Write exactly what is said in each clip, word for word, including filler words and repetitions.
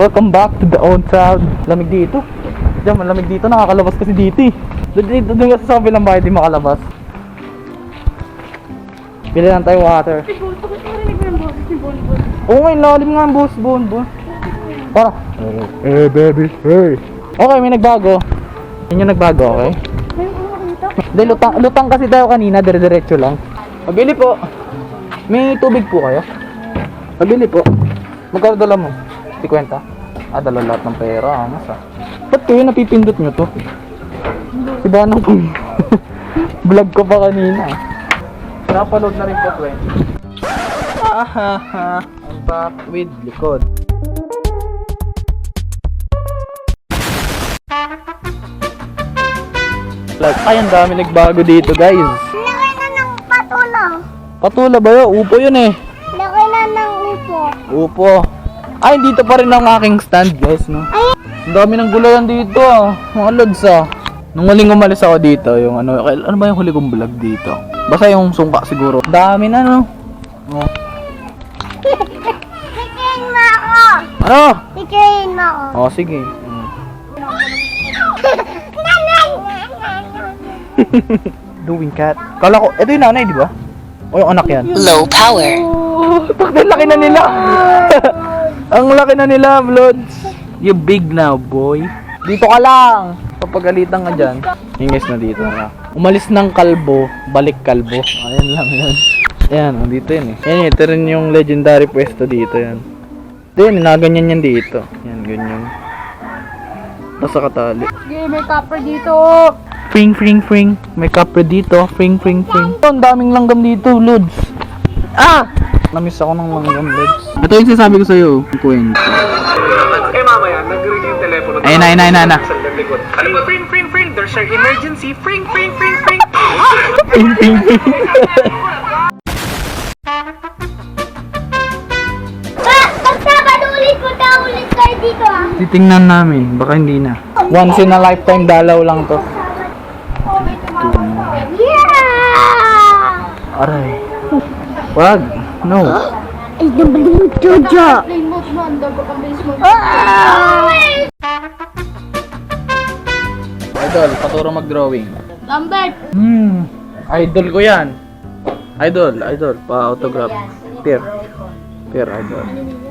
Welcome back to the old town. Lamig dito. Diyan, malamig dito. Nakakalabas kasi dito eh. Doon dito, doon kasi sa kabilang bahay di makalabas. Bili lang tayo water. Si Bon, bakit narinig mo yung boses ni Bon Bon? Oo nga, lalim nga ang boss, Bon Bon. Para. Hey baby, hey. Okay, may nagbago. Yun yung nagbago, okay? Ayun, ano makita? Hindi, lutang, lutang kasi tayo kanina, dire-diretso lang. Pabili po. May tubig po kayo? Pabili po. Magkano dala mo? fifty. Ah, dala lahat ng pera. Angas ah. Ba't kayo napipindot nyo to? Si Banang po. Vlog ko pa kanina. Napaload na rin po twenty. Ahaha. I'm back with likod. Like, ay, ang dami nagbago dito, guys. Laki na ng patula. Patula ba yun? Upo yun eh. Laki na ng upo. Upo. Ay, dito pa rin ang aking stand, guys, no? Ang dami ng gulayan dito, ah. Mga lods, ah. Nung huling umalis ako dito, yung ano, ano ba yung huli kong vlog dito? Basta yung sungka siguro. Dami na, no? Oh. Sikayin mo ako. Ano? Sikayin mo ako. Oh, sige. Hmm. Doing cat. Kala ko, ito yung nanay, di ba? O yung anak yan? Low power. Oh, bakit laki na nila? Ang laki na nila, Vlods. You big now, boy. Dito ka lang. Papagalitan ka dyan. Hingis na dito na. Umalis ng kalbo, balik kalbo. Ayan lang yan. Ayan, oh, dito yun eh. Yan, ito rin yung legendary pwesto dito yan. Ito yun, naganyan yan dito. Yan, ganyan. Nasa katali. Sige, may copper dito. Fring, fring, fring. May kapre dito. Fring, fring, fring. Ito, ang daming langgam dito, Lods. Ah! Namiss ako ng langgam, Lods. Ito yung sinasabi ko sa'yo. Kwento. Eh mamaya, nag-ring yung telepono. Ayun na, ayun na, ayun na. Sa likod. Ano ba, fring, fring, fring? There's an emergency. Fring, fring, fring, fring. Fring, fring, fring. Ah! Magsabado ulit po tayo ulit kayo dito ah. Titingnan namin. Baka hindi na. Once in a lifetime dalaw lang to. Yeah! Aray. Wag. No. Ay, nabalik mo, Jojo. Plain mode mo, ang dago kang base mo. Idol, paturo mag-drawing. Lambert! Hmm. Idol ko yan. Idol, idol. Pa-autograph. Peer. Peer, idol.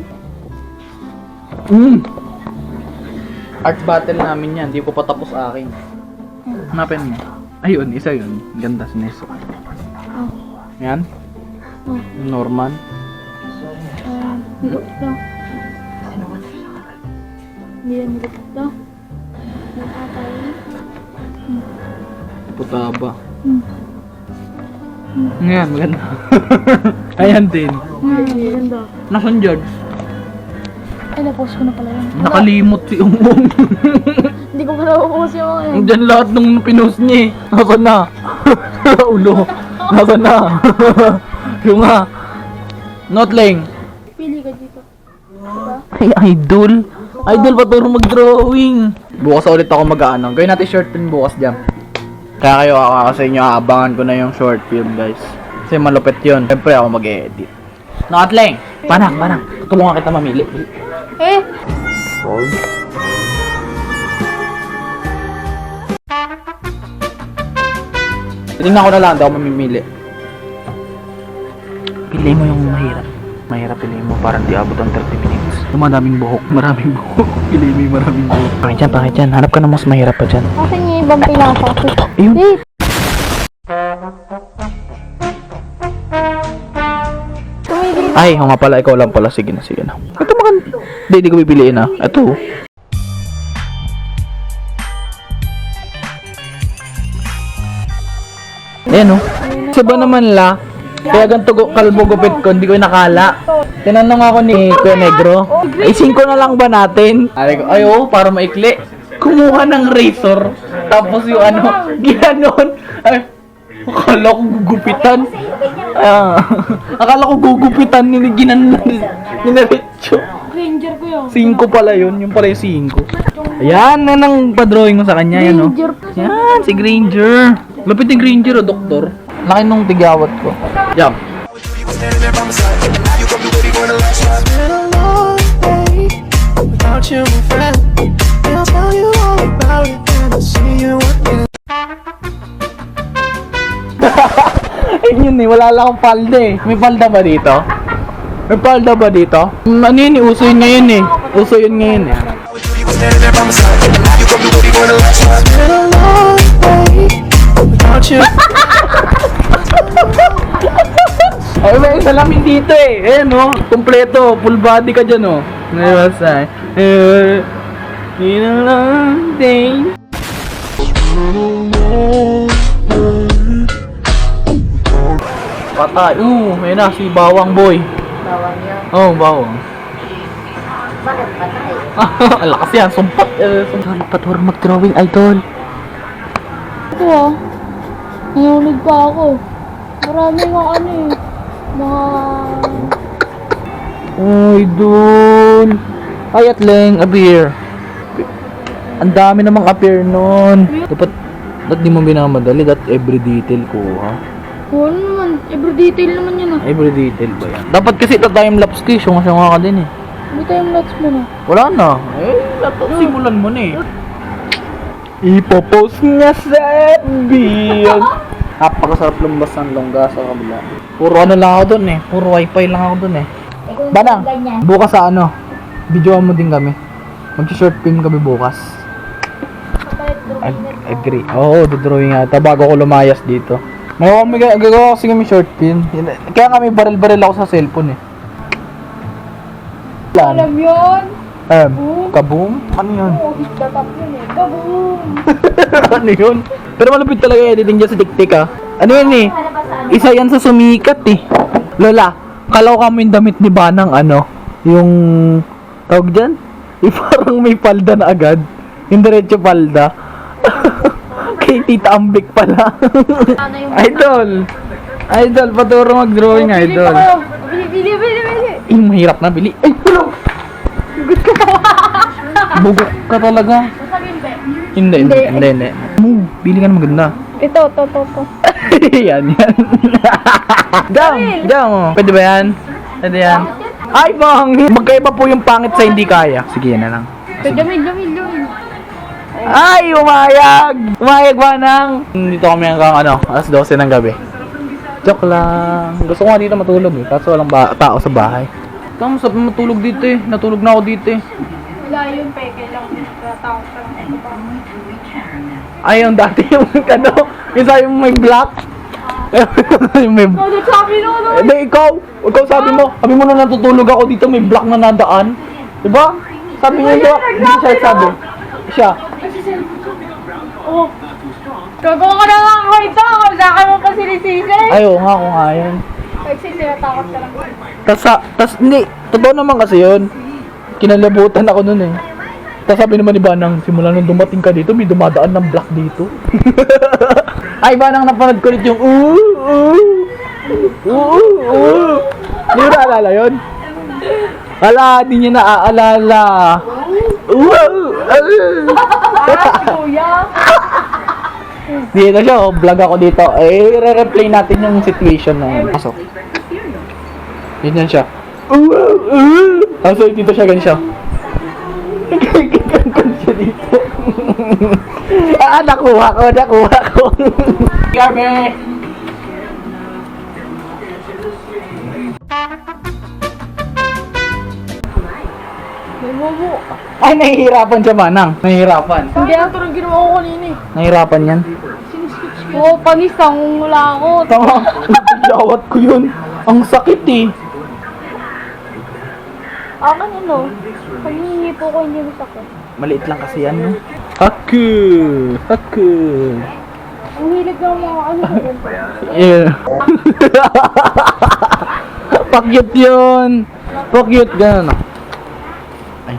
Hmm. Art battle namin yan. Di ko pa tapos akin. Hanapin mo. Ayun, isa yun. Ganda si Neso. Yan. Norman. Hirap to. Hindi yan hirap to. Nakakaya. Putaba. Hmm. Yan, maganda. Ayan din. Hmm, ganda. Nasaan dyan? Ay, na-post ko na pala yun. Nakalimot si Umbong. Hindi ko pa na-post yung mga yun. Diyan lahat nung pinost niya eh. Nasaan na? Ulo. Nasaan na? Yung nga. Notling. Pili ka dito. Diba? Ay, idol. Idol, paturo mag-drawing. Bukas ulit ako mag-ano. Gawin natin short film bukas dyan. Kaya kayo ako sa inyo, aabangan ko na yung short film, guys. Kasi malupit yun. Siyempre ako mag-edit. Notling. Panak, panak. Tulungan kita mamili. Eh! Hold. Tingnan ko na lang, daw mamimili. Pili mo yung mahirap. Mahirap pili mo para di abot ang thirty minutes. Yung maraming buhok, maraming buhok. Pili mo yung maraming buhok. Pangit dyan, pangit dyan. Hanap ka na mas mahirap pa dyan. Akin yung ibang pinasa. Ayun. Eh! Tumigil. Ay, oo nga pala, ikaw lang pala. Sige na, sige na. Ito maganda. Hindi, hindi ko pipiliin ah. Ito. Ayan oh. Kasi ba naman la? Kaya ganito gu- kalbo gupit ko, hindi ko nakala. Tinanong ako ni Kuya Negro, ay singko na lang ba natin? Ay, ko, ay oh, para maikli. Kumuha ng razor, tapos yung ano, ginanon. Ay, akala ko gugupitan. Ah, akala ko gugupitan, ni ginanon, ninaretso. Ranger ko yun. Cinco pala yun, yung pala yung cinco. Ayan, yan ang pa-drawing mo sa kanya, yan oh. Ranger. Yan, si Granger. Lapit ni Granger o, doktor. Laki nung tigyawat ko. Jump. Standing there by my side. Now you gon' be ready for the last ride. It's been a long day without Without you, my friend, I'll tell you all about it when I see you again. Ayun yun eh, wala lang akong palda eh. May palda ba dito? May palda ba dito? Mm, ano yun eh, uso yun ngayon eh. Uso yun ngayon eh. Standing there by my side, you gon' be waiting for the last time. It's been a long day without you. Ay, may salamin dito eh. Ayan oh, kompleto. Full body ka dyan oh. Nabasa eh. In a long day. Patay. Uh, ayun na, si Bawang Boy. Bawang yun. Oh, Bawang. Bakit patay? Ang lakas yan, sumpat. Uh, sumpat. Patur mag-drawing, idol. Ito ah. Nanonood pa ako. Marami mga ano eh. Mga... Idol. Ay, at leng, appear. Ang dami namang appear nun. Dapat, dapat di mo binamadali. That every detail ko, ha? Oo naman. Every detail naman yun ah. Every detail ba yan? Dapat kasi ito time-lapse ko, syunga-syunga ka din eh. Hindi tayong lots mo na. Wala na. Eh, dapat simulan mo na eh. Ipopost nga sa F B yan. Napakasarap lumbas ng longga sa kabila. Puro ano lang ako dun eh. Puro wifi lang ako dun eh. Banang, bukas sa ano, videoan mo din kami. Mag-short film kami bukas. Ag- agree. Oo, dodrawing ata bago ko lumayas dito. May may gagawa kasi kami short film. Kaya kami baril-baril ako sa cellphone eh. Plan. Alam yun. Um, kaboom? Ano yun? Oo, tatap yun eh. Kaboom! Ano yun? Pero malupit talaga yung editing dyan sa TikTok ah. Ano yun eh? Isa yan sa sumikat eh. Lola, kalaw kami yung damit ni Banang ano? Yung... Tawag dyan? Yung parang may palda na agad. Yung diretso palda. Kay Tita Ambik pala. Ano yung... Idol! Idol, paturo mag-drawing idol. Bili, bili, bili, bili. Eh, mahirap na bili. Ay, tulong! Bugok ka talaga. Sasabihin ba? Hindi, hindi, hindi, hindi. Mo, bili ka na maganda. Ito, to, to, to. Yan, yan. Dam, dam. Pwede ba yan? Pwede yan. Ay, bang! Magkaiba po yung pangit sa hindi kaya. Sige, yan na lang. Jamil, jamil, jamil. Ay, umayag! Umayag ba nang? Dito kami hanggang ano, alas dose ng gabi. Joke lang. Gusto ko nga dito matulog eh, kaso walang ba- tao sa bahay. Tama, sabi matulog dito eh. Natulog na ako dito eh. Wala yun, peke lang. Tatawag ka lang. Ay, yung dati yung ano, yung sabi mo may black. yung may... Oh, sabi no, no. Eh, di, ikaw, ikaw sabi mo, sabi mo na natutulog ako dito, may black na nadaan. Diba? Sabi niya, diba? Hindi siya sabi. Siya. Oh. Gagawa ka na nga ako ito. Saka mo pa sinisisi. Ay, oo nga, kung nga yun. Kasi sinatakot ka lang. Tas, sa- tas, hindi, totoo naman kasi yun. Kinalabutan ako nun eh. Tas sabi naman ni Banang, simula nung dumating ka dito, may dumadaan ng black dito. Ay, Banang, napanood ko ulit yung ooh, ooh, ooh, ooh. Hindi mo naalala yun? Wala, di niya naaalala. Wow! Kuya. Dito siya, oh, vlog ako dito. Eh, re-replay natin yung situation na yun. Pasok. Ganyan siya. Wow! Uh, Tapos dito siya, ganyan siya. Ganyan siya dito. Ah, nakuha ko, nakuha ko. Gabi! May momo. Ay, nahihirapan siya, Manang. Nahihirapan. Hindi ako ito ginawa ko kanina eh. Nahihirapan yan. Oo, oh, panisang wala ako. Tama, jawat ko yun. Ang sakit eh. Akin ano, pag hinihipo ko hindi masakit. Maliit lang kasi yan, no? Haku! Haku! Ang hilig ng mga ano ko. Yeah. Pakyut yun! Pakyut, gano'n. Ay.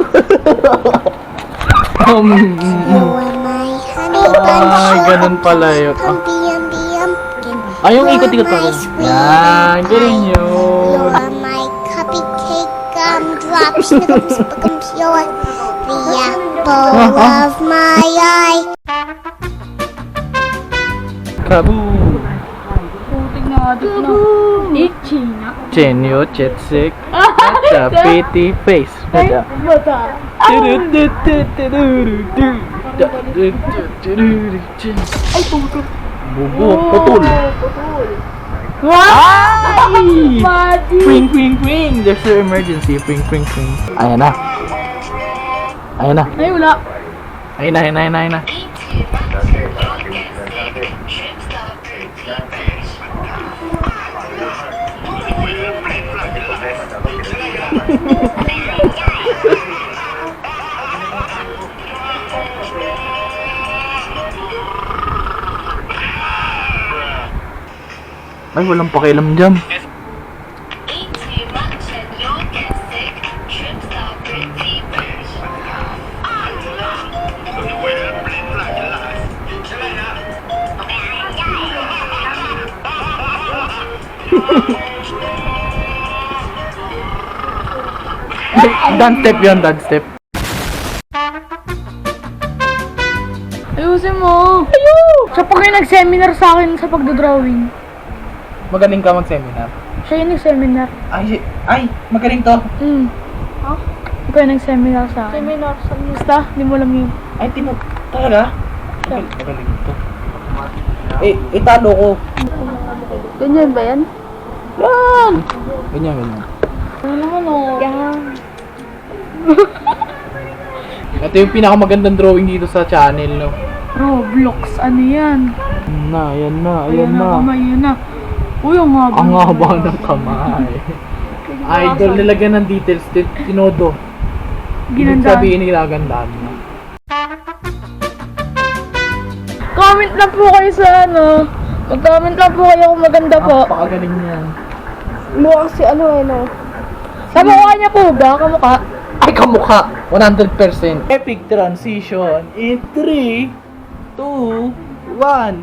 um, Ay, ganun pala yun. Ah. Ay, yung ikot-ikot pa rin. Yan, ganun yun. You're my cupcake gumdrop, snickums, pickums, you're the apple of my eye. Kabu! Putik na adik na. Itchy na. Chenyo, chetsik, at pretty face. Ay, bata. Ay, puto. Bubo, putol. Putol. Wow! Ay! Magic! Pring, pring, pring! There's an emergency. Pring, pring, pring. Ayan na. Ayan na. Ay, wala. Ayan na, ayan na, ayan na, ayan na. Ay, walang pakialam dyan. Dance step yun, dance step. Ayusin mo. Ayun! Siya pa kayo nag-seminar sa akin sa pagdodrawing. Magaling ka mag-seminar. Siya yung nag-seminar. Ay, ay, magaling to. Hmm. Ha? Siya pa yung nag-seminar sa akin. Seminar sa Basta, hindi mo alam yun. Ay, tino, talaga? Magaling, magaling to. Eh, italo ko. Ganyan ba yan? Yan! Ganyan, ganyan. Ano naman o? Yan. Ito yung pinakamagandang drawing dito sa channel, no? Roblox, ano yan? Yan na, yan na, Ayan ayan na, na. kamay yun na. Uy, ang haba. Ang haba ng kamay. Idol, nilagyan ng details, tin- tinodo. Ibig Ginanda. sabihin, nilagandaan mo. Comment lang po kayo sa ano. Mag-comment lang po kayo kung maganda po. Napakagaling niyan. Mukha si ano eh no. Sa mukha niya po ba? Kamukha? Ay, kamukha! one hundred percent. Epic transition in three, two, one.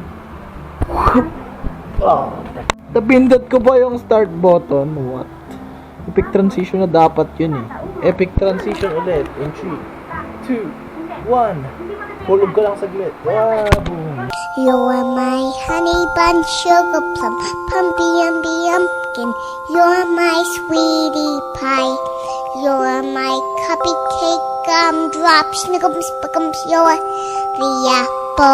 Oh. Napindot ko ba yung start button? What? Epic transition na dapat yun eh. Epic transition ulit in three, two, one. Hulog ka lang saglit. Wow, boom. You are my honey bun sugar plum, pumpy umby umpkin. You're my sweetie pie. You're my cupcake gumdrop, snickums, spickums. You're the apple